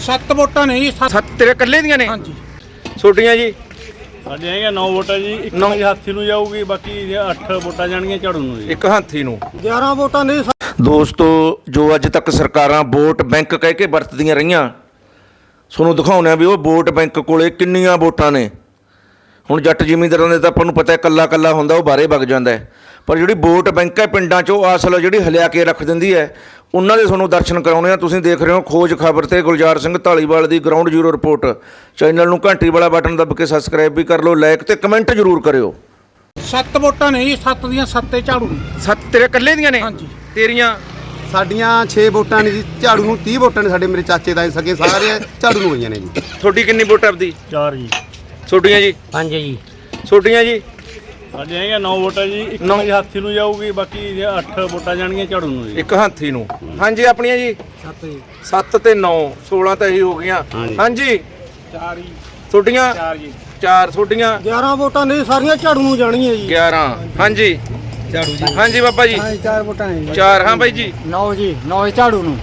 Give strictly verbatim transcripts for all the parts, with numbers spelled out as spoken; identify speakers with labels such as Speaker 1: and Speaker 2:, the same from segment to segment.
Speaker 1: ਸੱਤ ਵੋਟਾਂ ਨੇ ਜੀ।
Speaker 2: ਸੱਤ ਤੇਰੇ ਇਕੱਲੇ ਦੀਆਂ ਨੇ?
Speaker 1: ਹਾਂਜੀ।
Speaker 2: ਛੋਟੀਆਂ ਜੀ?
Speaker 3: ਸਾਡੇ ਹੈਗੇ ਨੌ ਵੋਟਾਂ ਜੀ। ਇੱਕ
Speaker 2: ਨੌ
Speaker 3: ਹਾਥੀ ਨੂੰ ਜਾਊਗੀ, ਬਾਕੀ ਅੱਠ ਵੋਟਾਂ ਜਾਣਗੀਆਂ ਝਾੜੂ ਨੂੰ ਜੀ।
Speaker 2: ਇੱਕ ਹਾਥੀ ਨੂੰ।
Speaker 1: ਗਿਆਰਾਂ ਵੋਟਾਂ ਨੇ।
Speaker 2: ਦੋਸਤੋ, ਜੋ ਅੱਜ ਤੱਕ ਸਰਕਾਰਾਂ ਵੋਟ ਬੈਂਕ ਕਹਿ ਕੇ ਵਰਤਦੀਆਂ ਰਹੀਆਂ, ਤੁਹਾਨੂੰ ਦਿਖਾਉਂਦੇ ਆ ਵੀ ਉਹ ਵੋਟ ਬੈਂਕ ਕੋਲੇ ਕਿੰਨੀਆਂ ਵੋਟਾਂ ਨੇ। ਹੁਣ ਜੱਟ ਜ਼ਿਮੀਂਦਾਰਾਂ ਦੇ ਤਾਂ ਆਪਾਂ ਨੂੰ ਪਤਾ ਹੈ ਇਕੱਲਾ ਇਕੱਲਾ ਹੁੰਦਾ, ਉਹ ਬਾਹਰੇ ਵਗ ਜਾਂਦਾ ਹੈ, ਪਰ ਜਿਹੜੀ ਵੋਟ ਬੈਂਕ ਹੈ ਪਿੰਡਾਂ 'ਚ ਉਹ ਅਸਲ ਜਿਹੜੀ ਹਲਿਆ ਕੇ ਰੱਖ ਦਿੰਦੀ ਹੈ, ਉਹਨਾਂ ਦੇ ਤੁਹਾਨੂੰ ਦਰਸ਼ਨ ਕਰਾਉਣੇ ਆ। ਤੁਸੀਂ ਦੇਖ ਰਹੇ ਹੋ ਖੋਜ ਖਬਰ ਤੇ ਗੁਲਜ਼ਾਰ ਸਿੰਘ ਢਾਲੀਵਾਲ ਦੀ ਗਰਾਊਂਡ ਜ਼ੀਰੋ ਰਿਪੋਰਟ। ਚੈਨਲ ਨੂੰ ਘੰਟੀ ਵਾਲਾ ਬਟਨ ਦੱਬ ਕੇ ਸਬਸਕ੍ਰਾਈਬ ਵੀ ਕਰ ਲਓ, ਲਾਈਕ ਤੇ ਕਮੈਂਟ ਜ਼ਰੂਰ ਕਰਿਓ।
Speaker 1: ਸੱਤ ਵੋਟਾਂ ਨੇ ਜੀ। ਸੱਤ ਦੀਆਂ ਸੱਤੇ ਝਾੜੂ ਨੇ।
Speaker 2: ਸੱਤ ਤੇਰੇ ਇਕੱਲੇ ਦੀਆਂ ਨੇ?
Speaker 1: ਹਾਂਜੀ।
Speaker 2: ਤੇਰੀਆਂ?
Speaker 4: ਸਾਡੀਆਂ ਛੇ ਵੋਟਾਂ ਨੇ ਜੀ। ਝਾੜੂ ਨੂੰ ਤੀਹ ਵੋਟਾਂ ਨੇ। ਸਾਡੇ ਮੇਰੇ ਚਾਚੇ ਤਾਏ ਸਕੇ ਸਾਰੇ ਝਾੜੂ ਨੂੰ ਹੋਈਆਂ ਨੇ ਜੀ।
Speaker 2: ਤੁਹਾਡੀ ਕਿੰਨੀ ਵੋਟ ਆਪਦੀ?
Speaker 3: ਚਾਰ ਜੀ।
Speaker 2: ਛੋਟੀਆਂ ਜੀ?
Speaker 1: ਪੰਜ ਜੀ।
Speaker 2: ਛੋਟੀਆਂ ਜੀ?
Speaker 3: ਸਾਡੇ ਹੈਗੇ ਨੌ ਵੋਟਾਂ ਜੀ। ਇੱਕ ਹਾਥੀ ਨੂੰ ਜਾਊਗੀ, ਬਾਕੀ ਅੱਠ ਵੋਟਾਂ ਜਾਣਗੀਆਂ ਝਾੜੂ ਨੂੰ ਜੀ।
Speaker 2: ਇੱਕ ਹਾਥੀ ਨੂੰ। ਹਾਂਜੀ। ਆਪਣੀਆਂ ਜੀ?
Speaker 1: ਸੱਤ ਜੀ।
Speaker 2: ਸੱਤ ਤੇ ਨੌ, ਸੋਲਾਂ ਤਾਂ ਇਹੀ ਹੋ ਗਈਆਂ। ਹਾਂਜੀ।
Speaker 1: ਚਾਰ ਜੀ।
Speaker 2: ਛੋਟੀਆਂ?
Speaker 3: ਚਾਰ ਜੀ।
Speaker 2: ਚਾਰ। ਛੋਟੀਆਂ?
Speaker 1: ਗਿਆਰਾਂ ਵੋਟਾਂ ਨੇ ਸਾਰੀਆਂ ਝਾੜੂ ਨੂੰ ਜਾਣਗੀਆਂ ਜੀ।
Speaker 2: ਗਿਆਰਾਂ। ਹਾਂਜੀ।
Speaker 1: ਝਾੜੂ ਜੀ।
Speaker 2: ਹਾਂਜੀ ਬਾਬਾ ਜੀ?
Speaker 1: ਚਾਰ ਵੋਟਾਂ ਨੇ।
Speaker 2: ਚਾਰ। ਹਾਂ ਬਾਈ ਜੀ?
Speaker 1: ਨੌ ਜੀ। ਨੌ ਝਾੜੂ ਨੂੰ।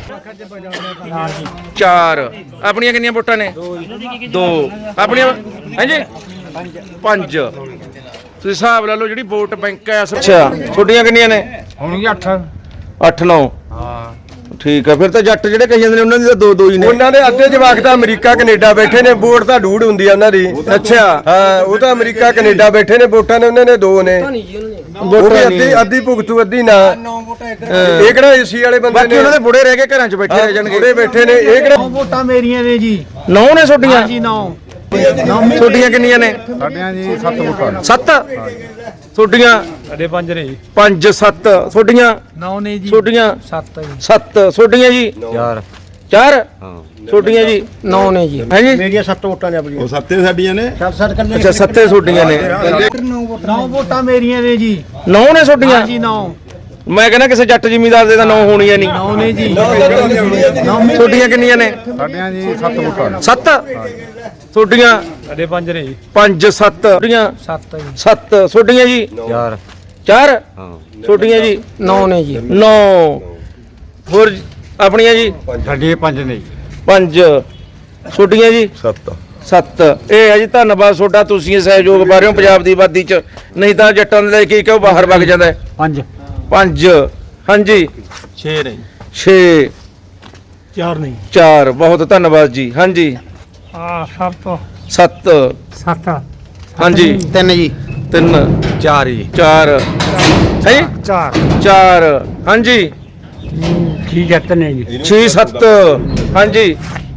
Speaker 2: ਚਾਰ। ਆਪਣੀਆਂ ਕਿੰਨੀਆਂ ਵੋਟਾਂ ਨੇ? ਦੋ। ਆਪਣੀਆਂ? ਹਾਂਜੀ। ਪੰਜ। ਤੁਸੀਂ ਹਿਸਾਬ ਲਾ ਲਓ ਜਿਹੜੀ ਵੋਟ ਬੈਂਕ ਹੈ। ਅੱਛਾ। ਛੋਟੀਆਂ ਕਿੰਨੀਆਂ ਨੇ?
Speaker 1: ਹੋਣਗੀਆਂ ਅੱਠ।
Speaker 2: ਅੱਠ ਨੌ। ਹਾਂ ਠੀਕ ਆ। ਫਿਰ ਤਾਂ ਜੱਟ ਜਿਹੜੇ ਕਹੀ ਜਾਂਦੇ ਨੇ ਉਹਨਾਂ ਦੀ ਤਾਂ ਦੋ ਦੋ ਹੀ ਨੇ।
Speaker 5: ਉਹਨਾਂ ਦੇ ਅੱਧੇ ਜਵਾਕ ਤਾਂ ਅਮਰੀਕਾ ਕੈਨੇਡਾ ਬੈਠੇ ਨੇ, ਵੋਟ ਤਾਂ ਡੂੜ ਹੁੰਦੀ ਆ ਉਹਨਾਂ ਦੀ।
Speaker 2: ਅੱਛਾ।
Speaker 5: ਹਾਂ, ਉਹ ਤਾਂ ਅਮਰੀਕਾ ਕੈਨੇਡਾ ਬੈਠੇ ਨੇ, ਵੋਟਾਂ ਨੇ ਉਹਨਾਂ ਨੇ ਦੋ ਨੇ। ਉਹ ਵੀ ਅੱਧੀ ਅੱਧੀ ਭੁਗਤੂ ਅੱਧੀ ਨਾ। ਇਹ ਕਿਹੜਾ ਏਸੀ ਵਾਲੇ ਬੰਦੇ
Speaker 2: ਬਾਕੀ
Speaker 5: ਨੇ?
Speaker 2: ਉਹਨਾਂ ਦੇ ਬੁੜੇ ਰਹਿ ਕੇ ਘਰਾਂ 'ਚ ਬੈਠੇ ਰਹਿ ਜਾਣਗੇ।
Speaker 5: ਬੁੜੇ ਬੈਠੇ ਨੇ। ਇਹ ਕਿਹੜਾ?
Speaker 1: ਵੋਟਾਂ ਮੇਰੀਆਂ ਨੇ ਜੀ।
Speaker 2: ਨੌ ਨੇ ਛੋਟੀਆਂ?
Speaker 1: ਜੀ ਨੌ।
Speaker 2: ਛੋਟੀਆਂ ਕਿੰਨੀਆਂ ਨੇ?
Speaker 4: ਸਾਡੀਆਂ ਜੀ ਸੱਤ ਵੋਟਾਂ।
Speaker 2: ਸੱਤ। ਛੋਟੀਆਂ?
Speaker 3: ਸਾਡੇ ਪੰਜ ਨੇ ਜੀ।
Speaker 2: ਪੰਜ। ਸੱਤ। ਛੋਟੀਆਂ?
Speaker 1: ਨੌ ਨੇ ਜੀ।
Speaker 2: ਛੋਟੀਆਂ?
Speaker 1: ਸੱਤ ਜੀ।
Speaker 2: ਸੱਤ। ਛੋਟੀਆਂ ਜੀ?
Speaker 5: ਚਾਰ।
Speaker 2: ਚਾਰ। ਛੋਟੀਆਂ ਜੀ?
Speaker 1: ਨੌ ਨੇ ਜੀ।
Speaker 2: ਹੈ ਜੀ?
Speaker 1: ਮੇਰੀਆਂ ਸੱਤ ਵੋਟਾਂ ਨੇ ਆਪਣੀਆਂ।
Speaker 4: ਉਹ ਸੱਤੇ ਸਾਡੀਆਂ ਨੇ।
Speaker 1: ਸੱਤ ਸੱਤ ਕੱਲੇ।
Speaker 2: ਅੱਛਾ। ਸੱਤੇ ਛੋਟੀਆਂ ਨੇ।
Speaker 1: ਨੌ ਵੋਟਾਂ ਮੇਰੀਆਂ ਨੇ ਜੀ।
Speaker 2: ਨੌ ਨੇ ਛੋਟੀਆਂ?
Speaker 1: ਜੀ ਨੌ।
Speaker 2: ਮੈਂ ਕਹਿੰਦਾ ਕਿਸੇ ਜੱਟ ਜ਼ਿਮੀਂਦਾਰ ਦੇ ਤਾਂ ਨੌ ਹੋਣੀਆਂ ਨਹੀਂ।
Speaker 1: ਨੌ ਨੇ ਜੀ।
Speaker 2: ਛੋਟੀਆਂ ਕਿੰਨੀਆਂ ਨੇ?
Speaker 4: ਸਾਡੀਆਂ ਜੀ ਸੱਤ ਵੋਟਾਂ।
Speaker 2: ਸੱਤ। ਛੋਟੀਆਂ?
Speaker 3: ਸਾਡੇ ਪੰਜ ਨੇ ਜੀ।
Speaker 2: ਪੰਜ। ਸੱਤ। ਛੋਟੀਆਂ?
Speaker 1: ਸੱਤ ਜੀ।
Speaker 2: ਸੱਤ। ਛੋਟੀਆਂ ਜੀ?
Speaker 5: ਚਾਰ।
Speaker 2: ਚਾਰ। ਛੋਟੀਆਂ ਜੀ?
Speaker 1: ਨੌ ਨੇ ਜੀ।
Speaker 2: ਨੌ। ਹੋਰ ਆਪਣੀਆਂ ਜੀ?
Speaker 4: ਸਾਡੀਆਂ ਪੰਜ ਨੇ ਜੀ।
Speaker 2: ਪੰਜ। ਛੋਟੀਆਂ ਜੀ?
Speaker 4: ਸੱਤ।
Speaker 2: ਸੱਤ। ਇਹ ਹੈ ਜੀ। ਧੰਨਵਾਦ ਤੁਹਾਡਾ, ਤੁਸੀਂ ਇਹ ਸਹਿਯੋਗ ਪਾ ਰਹੇ ਹੋ ਪੰਜਾਬ ਦੀ ਆਬਾਦੀ 'ਚ, ਨਹੀਂ ਤਾਂ ਜੱਟਾਂ ਦੇ ਲੈ ਕੇ ਕਿ ਉਹ ਬਾਹਰ ਵਗ ਜਾਂਦਾ ਹੈ।
Speaker 1: ਪੰਜ।
Speaker 2: ਪੰਜ। ਹਾਂਜੀ।
Speaker 3: ਛੇ ਨੇ।
Speaker 2: ਛੇ।
Speaker 1: ਚਾਰ ਨਹੀਂ।
Speaker 2: ਚਾਰ। ਬਹੁਤ ਧੰਨਵਾਦ ਜੀ। ਹਾਂਜੀ।
Speaker 1: ਆ ਸੱਤ।
Speaker 2: ਸੱਤ।
Speaker 1: ਸੱਤ।
Speaker 2: ਹਾਂਜੀ।
Speaker 4: ਤਿੰਨ ਜੀ।
Speaker 2: ਤਿੰਨ।
Speaker 5: ਚਾਰ ਜੀ।
Speaker 2: ਚਾਰ। ਹੈ ਜੀ?
Speaker 1: ਚਾਰ।
Speaker 2: ਚਾਰ। ਹਾਂਜੀ।
Speaker 1: ਠੀਕ ਹੈ। ਤਿੰਨ ਜੀ।
Speaker 2: ਛੇ। ਸੱਤ। ਹਾਂਜੀ।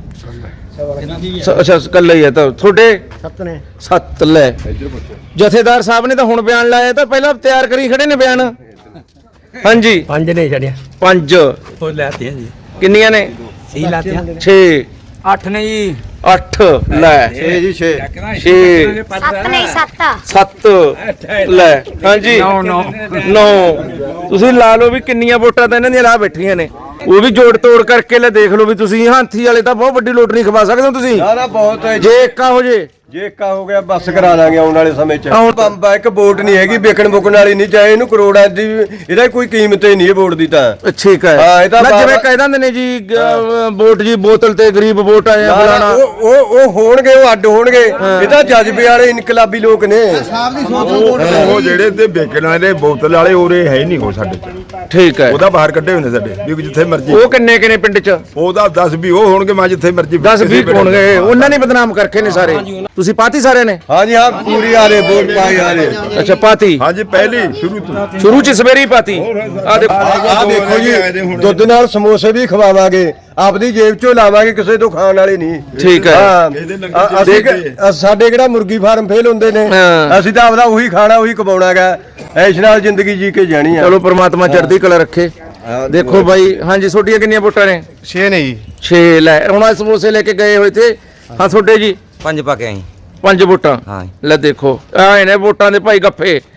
Speaker 2: ਸ- ਅੱਛਾ ਇਕੱਲਾ ਹੀ ਹੈ ਤਾਂ ਤੁਹਾਡੇ?
Speaker 1: ਸੱਤ ਨੇ।
Speaker 2: ਸੱਤ। ਲੈ ਜਥੇਦਾਰ ਸਾਹਿਬ ਨੇ ਤਾਂ ਹੁਣ ਬਿਆਨ ਲਾਇਆ, ਤਾਂ ਪਹਿਲਾਂ ਤਿਆਰ ਕਰੀ ਖੜੇ ਨੇ ਬਿਆਨ। ਹਾਂਜੀ।
Speaker 1: ਪੰਜ ਨੇ ਛੜਿਆ।
Speaker 2: ਪੰਜ।
Speaker 1: ਉਹ ਲੈਤੀਆਂ ਜੀ।
Speaker 2: ਕਿੰਨੀਆਂ ਨੇ?
Speaker 1: ਸਹੀ ਲਾਤੀਆਂ।
Speaker 2: ਛੇ।
Speaker 1: ਅੱਠ ਨੇ ਜੀ।
Speaker 2: ਅੱਠ। ਲੈ
Speaker 4: ਛੇ ਜੀ ਛੇ।
Speaker 2: ਛੇ।
Speaker 6: ਸੱਤ ਨਹੀਂ ਸੱਤ।
Speaker 2: ਸੱਤ। ਲੈ ਹਾਂਜੀ।
Speaker 1: ਨੌ। ਨੌ।
Speaker 2: ਨੌ। ਤੁਸੀਂ ਲਾ ਲਓ ਵੀ ਕਿੰਨੀਆਂ ਵੋਟਾਂ ਤਾਂ ਇਹਨਾਂ ਦੀਆਂ ਲਾ ਬੈਠੀਆਂ ਨੇ, ਉਹ ਵੀ ਜੋੜ ਤੋੜ ਕਰਕੇ ਲੈ ਦੇਖ ਲਓ ਵੀ ਤੁਸੀਂ ਹਾਥੀ ਵਾਲੇ ਤਾਂ ਬਹੁਤ ਵੱਡੀ ਲੋਟਰੀ ਖਵਾ ਸਕਦੇ ਹੋ ਤੁਸੀਂ,
Speaker 5: ਨਾ ਨਾ ਬਹੁਤ ਹੈ।
Speaker 2: ਜੇ ਇੱਕਾ ਹੋ ਜੇ।
Speaker 5: ਜੇ ਇੱਕਾ ਹੋ ਗਿਆ ਬਸ ਕਰਾ ਦਾਂਗੇ ਆਉਣ ਵਾਲੇ ਸਮੇਂ 'ਚ। ਬੰਬਾ ਇੱਕ ਵੋਟ ਨਹੀਂ ਹੈਗੀ ਵਿਕਣ ਬੁਕਣ ਵਾਲੀ, ਨਹੀਂ ਚਾਹੇ ਇਹਨੂੰ ਕਰੋੜਾਂ ਦੀ, ਇਹਦਾ ਕੋਈ ਕੀਮਤ ਹੀ ਨਹੀਂ ਇਹ ਵੋਟ ਦੀ ਤਾਂ।
Speaker 2: ਠੀਕ ਹੈ।
Speaker 5: ਹਾਂ, ਇਹ ਤਾਂ
Speaker 2: ਨਾ
Speaker 5: ਬਾਬਾ-
Speaker 2: ਜਿਵੇਂ ਕਹਿ ਦਿੰਦੇ ਨੇ ਜੀ ਅਹ, ਵੋਟ ਜੀ ਬੋਤਲ ਤੇ ਗਰੀਬ ਵੋਟ ਆਏ
Speaker 5: ਨਾ, ਨਾ,
Speaker 2: ਫਲਾਣਾ।
Speaker 5: ਉਹ ਉਹ ਉਹ ਹੋਣਗੇ, ਉਹ ਅੱਡ ਹੋਣਗੇ। ਇਹ ਤਾਂ ਜਜ਼ਬੇ ਵਾਲੇ ਇਨਕਲਾਬੀ ਲੋਕ ਨੇ।
Speaker 7: ਉਹ ਜਿਹੜੇ ਤੇ ਵੇਚਣ ਵਾਲੇ ਬੋਤਲ ਵਾਲੇ ਉਰੇ ਹੈ ਨਹੀਂ ਹੋ ਸਾਡੇ ਚ।
Speaker 2: ਠੀਕ ਹੈ।
Speaker 7: ਉਹਦਾ ਬਾਹਰ ਕੱਢੇ ਹੁੰਦੇ ਸਾਡੇ ਵੀ ਜਿੱਥੇ ਮਰਜੀ।
Speaker 2: ਉਹ ਕਿੰਨੇ ਕਿੰਨੇ ਪਿੰਡ ਚ?
Speaker 7: ਉਹਦਾ ਦਸ ਵੀਹ ਉਹ ਹੋਣਗੇ, ਮੈਂ ਜਿੱਥੇ ਮਰਜੀ
Speaker 2: ਦਸ ਵੀਹ ਹੋਣਗੇ। ਉਹਨਾਂ ਨੇ ਬਦਨਾਮ ਕਰਕੇ ਨੇ ਸਾਰੇ। ਤੁਸੀਂ ਪਾਤੀ ਸਾਰਿਆਂ ਨੇ?
Speaker 5: ਹਾਂਜੀ ਹਾਂ, ਪੂਰੀ ਆ ਰਹੇ ਵੋਟ ਪਾਈ ਆ ਰਹੇ।
Speaker 2: ਅੱਛਾ ਪਾਤੀ।
Speaker 7: ਹਾਂਜੀ ਪਹਿਲੀ ਸ਼ੁਰੂ ਤੋਂ
Speaker 2: ਸ਼ੁਰੂ ਚ ਸਵੇਰੀ ਪਾਤੀ। ਆ ਦੇਖੋ
Speaker 5: ਆ ਦੇਖੋ ਜੀ, ਦੁੱਧ ਨਾਲ ਸਮੋਸੇ ਵੀ ਖਵਾਵਾਂਗੇ, ਆਪਦੀ ਜੇਬ ਚੋਂ ਲਾਵਾਂਗੇ, ਕਿਸੇ ਤੋਂ ਖਾਣ ਵਾਲੇ ਨਹੀਂ।
Speaker 2: ਠੀਕ ਹੈ।
Speaker 5: ਹਾਂ, ਅ- ਅਸੀਂ ਕਿ- ਸਾਡੇ ਕਿਹੜਾ ਮੁਰਗੀ ਫਾਰਮ ਫੇਲ ਹੁੰਦੇ ਨੇ।
Speaker 2: ਹਾਂ।
Speaker 5: ਅਸੀਂ ਤਾਂ ਆਪਦਾ ਉਹੀ ਖਾਣਾ ਉਹੀ ਕਮਾਉਣਾਗਾ, ਐਸ਼ ਨਾਲ ਜ਼ਿੰਦਗੀ ਜੀ ਕੇ ਜਾਣੀ ਆ।
Speaker 2: ਚਲੋ ਪ੍ਰਮਾਤਮਾ ਚੜ੍ਹਦੀ ਕਲਾ ਰੱਖੇ। ਦੇਖੋ ਬਾਈ। ਹਾਂਜੀ ਤੁਹਾਡੀਆਂ ਕਿੰਨੀਆਂ ਵੋਟਾਂ ਨੇ?
Speaker 4: ਛੇ ਨੇ ਜੀ।
Speaker 2: ਛੇ। ਲੈ ਹੁਣ ਆ ਸਮੋਸੇ ਲੈ ਕੇ ਗਏ ਹੋਏ ਤੇ। ਹਾਂ ਤੁਹਾਡੇ ਜੀ?
Speaker 8: ਪੰਜ ਪਾ ਕੇ ਆਈ।
Speaker 2: ਪੰਜ ਵੋਟਾਂ।
Speaker 8: ਹਾਂ।
Speaker 2: ਲੈ ਦੇਖੋ ਆਏ ਨੇ ਵੋਟਾਂ ਦੇ ਭਾਈ ਗੱਫੇ।